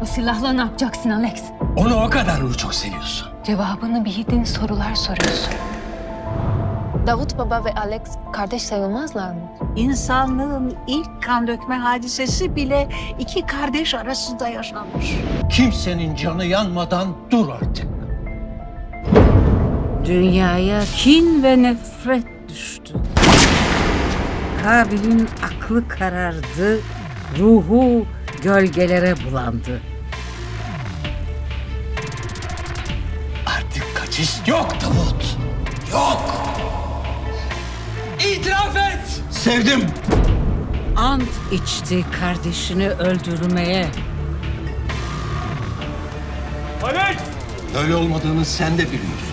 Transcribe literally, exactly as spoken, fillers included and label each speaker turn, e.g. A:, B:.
A: silahla ne yapacaksın Alex?
B: Onu o kadar mı çok seviyorsun?
A: Cevabını bildiğin sorular soruyorsun. Davut Baba ve Alex kardeş sayılmazlar mı?
C: İnsanlığın ilk kan dökme hadisesi bile iki kardeş arasında yaşanmış.
B: Kimsenin canı yanmadan dur artık.
D: Dünyaya kin ve nefret düştü. Kabil'in aklı karardı, ruhu gölgelere bulandı.
B: Artık kaçış yok Davut. Yok. İtiraf et. Sevdim.
D: Ant içti kardeşini öldürmeye.
B: Öyle olmadığını sen de biliyorsun.